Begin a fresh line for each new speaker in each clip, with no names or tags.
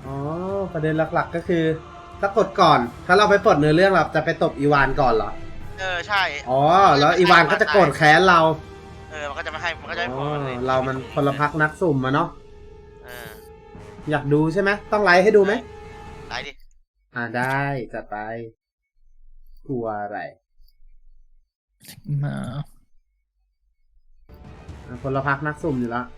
อ๋อประเด็นหลักๆก็คือถ้ากดก่อนถ้าเราไปปลดเนื้อเรื่องเราจะไปตบอีวานก่อนเหรอ
ใช่
อ๋อแล้วอีวานก็จะโกรธแค้นเรา
มันก็จะไม่ให้มันก็จะให้ผ
อ๋
ม
อเรามันคนละพักนักสุ่มมาเนาะ
เออ
อยากดูใช่ไหมต้องไลฟ์ให้ดูไหม
ไหนดิ
ได้จัดไปกลัวอะไร
มา
คนละพักนักสุ่มอยู่แล้ว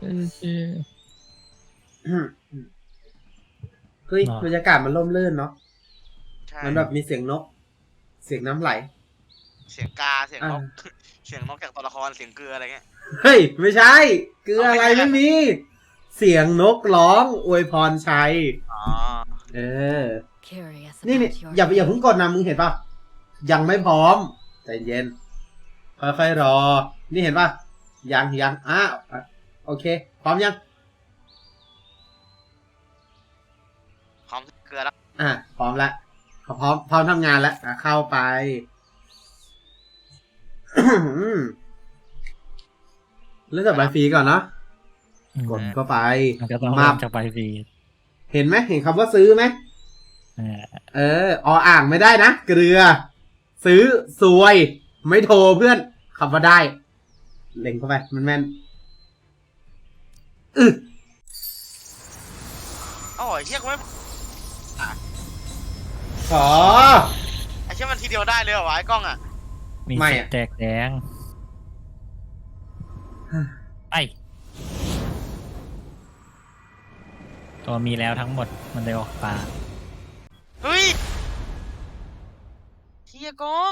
เฮ้ยบรรยากาศมันร่มรื่นเนาะ
ใช่
มันแบบมีเสียงนก เสียงน้ำไหล
เสียงกาเสียงนกเสียงนกจากตัวละครเสียงเกลืออะไรเงี้ย
เฮ้ยไม่ใช่เกลืออะไรไม่มี เสียงนกร้องอวยพรชัย
อ๋อ
เออ
Curious
นี่
about your
อย่าเพิ่งกดนะมึงเห็นป่ะยังไม่พร้อมใจเย็นค่อยๆรอ นี่เห็นป่ะยังโอเค พร้อมยัง
พร้อมเกลือแล้ว
พร้อมแล้วพร้อมทำงานแล้วเข้าไป เริ่มจากใบฟรีก่อนเนาะกดเข้าไป
มันก็ต้อง
มา
เริ่มจากใบฟรี
เห็นไหมเห็นคำว่าซื้อไหม
อ่า
อ่างไม่ได้นะเกลือ ซื้อซวย ไม่โทรเพื่อนคำว่าได้ เล็งเข้าไปมันแม่น
อ๋อไอ้เชี่ยกูไม่
ขอ
ไอ้เชี่ยมันทีเดียวได้เลยเหรอวะไอ้กล้องอ่ะ
มี
ไม่
เสีย
อะ
งแตกแดงไอตัวมีแล้วทั้งหมดมันเลยออกปลา
เฮ้ยเชี่ยกล้อง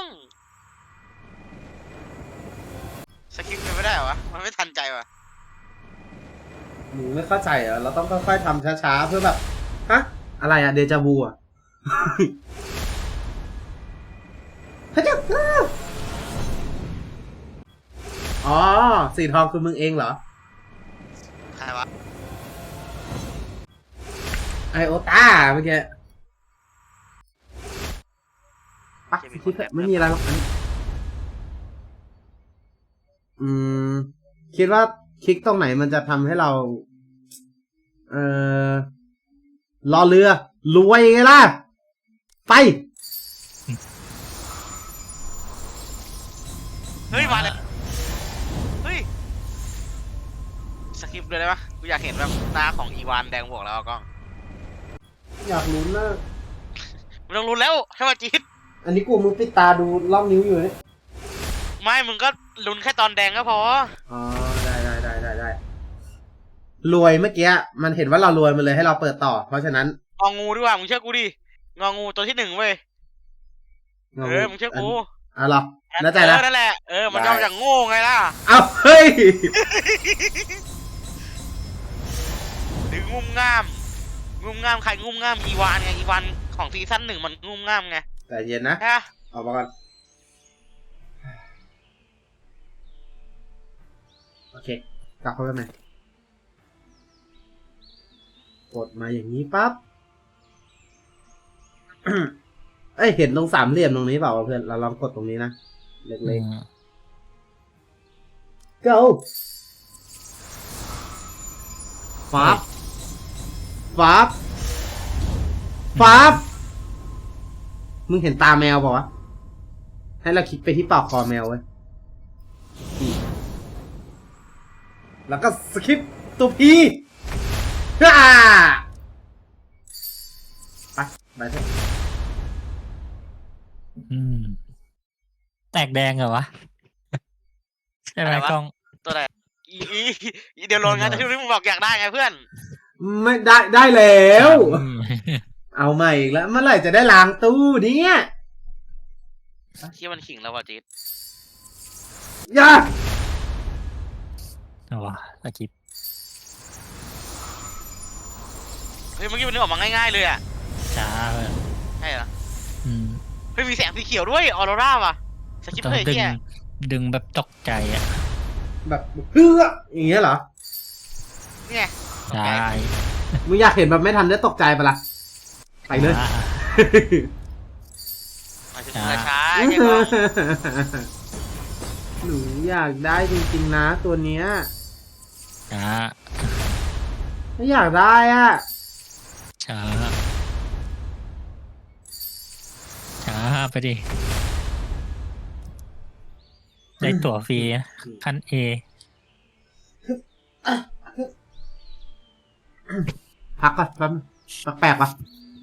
สกิปเป็นไม่ได้เหรอวะมันไม่ทันใจวะ
หนูไม่เข้าใจเหรอเราต้องค่อยๆทำช้าๆเพื่อแบบฮะอะไรอะเดจาวูอะ พระเจ้าอ๋อสีทองคือมึงเองเหรอ
ใครวะ
ไอโอต้าเมื่อกี้ปะคิดเถอะไม่มีอะไรหรอกอันนี้คิดว่าคลิกตรงไหนมันจะทำให้เรา รอเรือ รวยไงล่ะ ไป
เฮ้ยมาเลยเฮ้ยสกิปเลยได้ปะกูอยากเห็นแบบหน้าของอีวานแดงบวกแล้วอะกล้อง
อยากลุ้นนะ
ไม่ต้องรู้แล้วให้มาจีด
อันนี้กูมึงปิดตาดูล่องนิ้วอยู่เนี่ย
ไม่มึงก็ลุ้นแค่ตอนแดงก็พอ
อ๋อ ได้รวยเมื่อกี้มันเห็นว่าเรารวยมันเลยให้เราเปิดต่อ เพราะฉะนั้น
งองูดีกว่ามึงเชื่อกูดิงองูตัวที่ 1เว้ยมึงเชื่อกู
หรอแน่ใจนะ
นั่นแหละมันย่อมาจากโง่ไงล่ะ
เอาเฮ้ย
หรืองุ่มง่ามใครงุ่มง่ามอีวานไงอีวานของซีซั่น 1มันงุ่มง่ามไง
แต่เย็นนะ
ฮะ
เอามาก่อนโอเค กลับเข้าไปใหม่กดมาอย่างนี้ปั๊บ เอ้ย เห็นตรงสามเหลี่ยมตรงนี้เปล่าวะเพื่อน เราลองกดตรงนี้นะ เล็กๆ go ฟับมึงเห็นตาแมวเปล่าวะ ให้เราคลิกไปที่ปากคอแมวเว้ยแล้วก็สคิปตัวพีฮ่าไปเถอะ
แตกแดงเหรอวะใช่ไหมกล้อง
ตัวไหนอีเดี๋ยวโลนงานแต่ที่มึงบอกอยากได้ไงเพื่อน
ไม่ได้แล้ว เอาใหม่อีกแล้ว เมื่อไหร่จะได้ล้างตู้เนี่ย
ที่มันขิงแล้วว่ะจีด
อย่า
เอาวะสกิป
เฮ้ยเมื่อกี้มันนึกออกมาง่ายๆเลยอ่ะ
ช้าเลย
ใช่เหรอ
อืม
เฮ้ยมีแสงสีเขียวด้วยออโรราว่ะสกิป
ต้อง
เลย
ดึง
เที่ย
ดึงแบบตกใจอ่ะ
แบบเฮ้ออย่างเงี้ยเหรอ
เนี่ย
ใช่
มึงอยากเห็นแบบไม่ทันได้ตกใจปะล่ะ ไปเลย
มาถึงช้าใช่ก็
หนูอยากได้จริงๆนะตัวเนี้ย
ช้า
ไม่อยากได้อ่ะ
ช้าไปดิ ได้ตั๋วฟรีนะขั้นเอ
พักก่อนแป๊บนึงแปลกๆปะ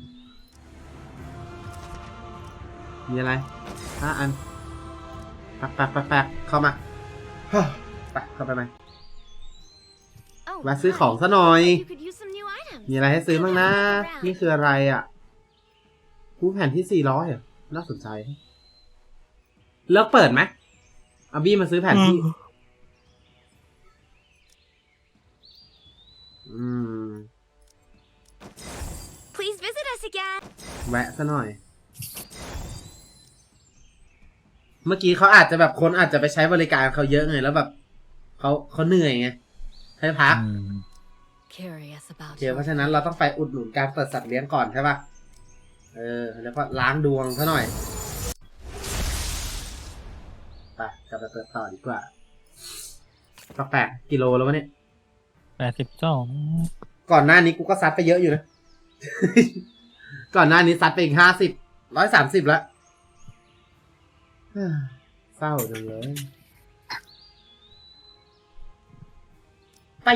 มีอะไร5 อันแปลกเข้ามาไปเข้าไปไหม
Oh,
มาซื้อของซะหน่อย
you could use some new items.
มีอะไรให้ซื้อบ้างนะ
Around.
นี่คืออะไรอ่ะผู้แผ่นที่400อ่ะน่าสนใจเลิกเปิดไหมอาบี้มาซื้อแผ่นที่
Please visit us again.
แวะซะหน่อย เมื่อกี้เขาอาจจะแบบคนอาจจะไปใช้บริการเขาเยอะไงแล้วแบบเขาเหนื่อยไงให้พัก
Curious
โอ
about
เคเพราะฉะนั้นเราต้องไปอุดหนุนการเปิดสัตว์เลี้ยงก่อนใช่ป่ะแล้วก็ล้างดวงซะหน่อยไปกลับไปเปิดต่อดีกว่าก็8 กิโลแล้ววะเนี่ย
82
ก่อนหน้านี้กูก็ซัดไปเยอะอยู่นะ ก่อนหน้านี้ซัดไปอีก130แล้ว เศร้าจังเลยไป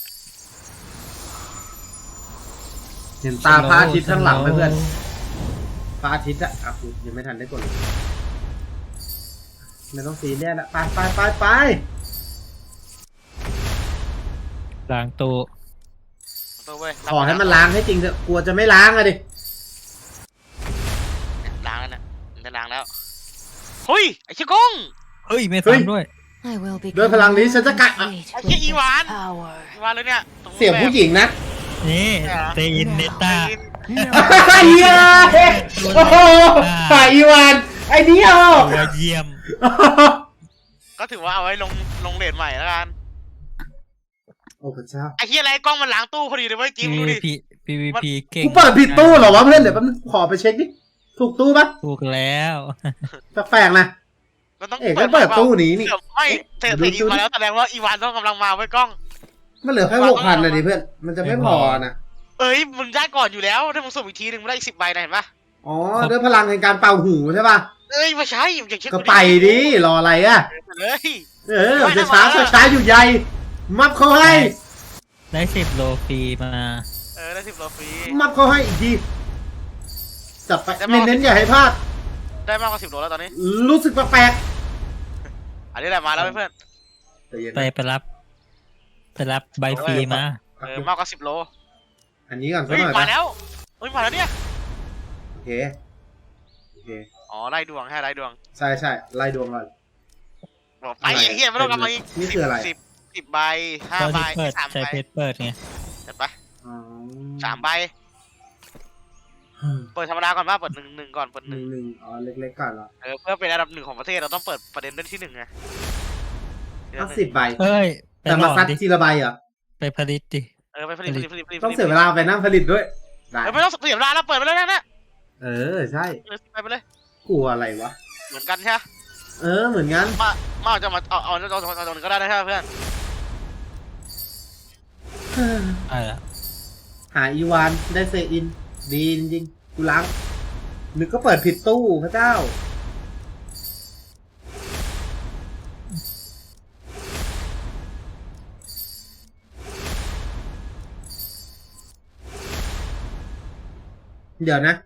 เห็นตาพระอาทิตย์ข้างหลังไหมเพื่อนพระอาทิตย์อะกูยังไม่ทันได้กดเลยไม่ต้องซีเรียสละไป
ล้างตู้
ตัวเว้ย
ขอให้มันล้างให้จริงเถอะกลัวจะไม่ล้างอะดิ
ล้างแล้วเนี่ยมันจะล้างแล้วเฮ้ยไอ้ชิกง
เฮ้ย ไม่ฟังด้วย
I will be
ด้วยพลังนี้ฉันจะกัด
ไอ้เหี้ยอีวานอีวานเลยเนี่ยตรง
เสียงผู้หญิงนะ
นี่เตยินเนต้า
ไอ้เหี้ยโอ้โหฝ่ายอีวานไอ้เดียว
ตัวเยี่ยม
ก็ถือว่าเอาไว้ลงเลทใหม่แล้วกัน
โอ้พระเจ้า
ไอ้เหี้ยอะไรกล้องมันล้างตู้พอดีเลยเว้ยจิ๊บดูดิ
PVP เก่ง
กูเปิดผิดตู้เหรอวะเพื่อนเดี๋ยวแป๊บนึงขอไปเช็คดิถูกตู้ปะ
ถูกแล้ว
แปลกๆนะ
มันต้อง
เอกก็เปิดตู้นี้นี่
เดี๋ยวไม่เธออีวานแล้วแสดงว่าอีวานต้องกำลังมาไว้กล้อง
มันเหลือแค่6,000เลยดิเพื่อนมันจะไม่พอนะ
เอ้ยมึงได้ก่อนอยู่แล้วถ้ามึงสุ่มอีกทีนึงมึงได้อีก10 ใบนะเห็นปะ
อ๋อด้วยพลังในการเป่าหูใช่ปะ
เอ้ยไม่ใช่อย่างเช่น
ก็ไปดิรออะไรอะ
เฮ้ย
มันจะช้าอยู่ใหญ่มับเขาให้
ได้10 โลฟรีมา
ได้10 โลฟรี
มับเขาให้อีกทีจับไปเน้นๆอย่าให้พลาด
ได้มากกว่า10 โลแล้วตอนนี้
รู้สึกแปลก
อันนี้แหละมาแล้วเพื่อน
ๆ
ไปรับใบฟรีมา
มากกว่า10 โล
อันนี้ก่อนสัก
เฮ้ย
หน่อย
มา
ปะ
แล้วเฮ้ยมาแล้วเนี่ย
โอเค
อ๋อไล่ดวงให้ไล่ดวง
ใช่ไล่ดวงก่อน
บอกไปไอ้เหี้ยไม่ต้องกลับมาอีก
นี่คืออะไร
10 ใบ
ตอน
5 ใบ
ที่เปิด
3
ใช้
ใบ
เพชรเปิดไง
เห็นปะ
อ๋อ
3 ใบเปิดธรรมดาก่อนป่ะเปิดหนึ่งก่อนเปิดหนึ่ง
หนึ่งอ๋อเล็กๆก่อนเหรอ
เพื่อเป็นอันดับ1ของประเทศเราต้องเปิดประเด็นเรื่องที่1ไง
ต้อง10 ใบ
เฮ้ย ไป
แต่
หล
มา
อม
ซัด
ดิ
ทีละใบเหรอ
ไปผลิตดิ
ไปผลิต
ต้องเสียเวลาไปนั่งผลิตด้วยได้
ไม่ต้องเสียเวลาแล้วเปิดไปเลยนะ
ใช่
ไปเลย
กลัวอะไรวะ
เหมือนกันใช่ไหม
เหมือนงั้น
มาจะมาเอาตรงนี้ก็ได้นะใช่ไหมเพื่อน
หาอีวานได้เซอิน ดีจริงๆกูล้างนึกก็เปิดผิดตู้พระเจ้า เดี๋ยวนะ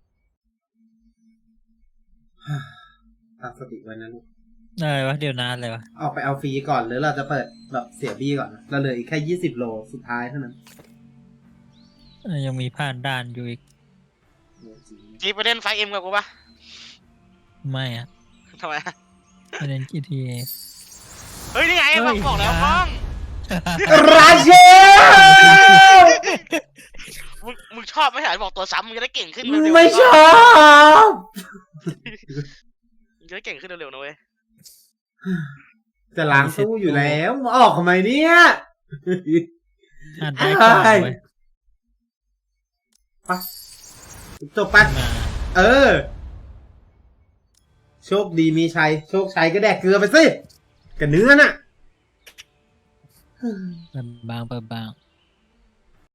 ตั้งสติไว้นะลูก
อะไรวะเดี๋ยวนานเลยวะ
เอาไปเอาฟรีก่อนหรือเราจะเปิดแบบเสียบี้ก่อนนะเราเหลืออีกแค่20 โลสุดท้ายเท่านั้น
ยังมีผ่านด่านอยู่อีก
จีไปเล่นไฟเอ็มกับกูปะ
ไม่อะ
ทำไม
ไปเล่น GTA
เฮ้ยนี่ไงบอกแล้วกล้อง
ราเชล
มึงชอบไม่ใช่บอกตัวซ้ำมึงจะได้เก่งขึ้น
ไม่ชอบ
มึงจะได้เก่งขึ้นเร็วๆนะเว้ย
จะล้างตู้อยู่แล้วมาออกทำไมเนี่ย
อ่านได้ก่อนเว้ย
ไปจบไป
มา
โชคดีมีชัยโชคชัยก็แดกเกลือไปสิกับเนื้อน่ะ
เปิดบาง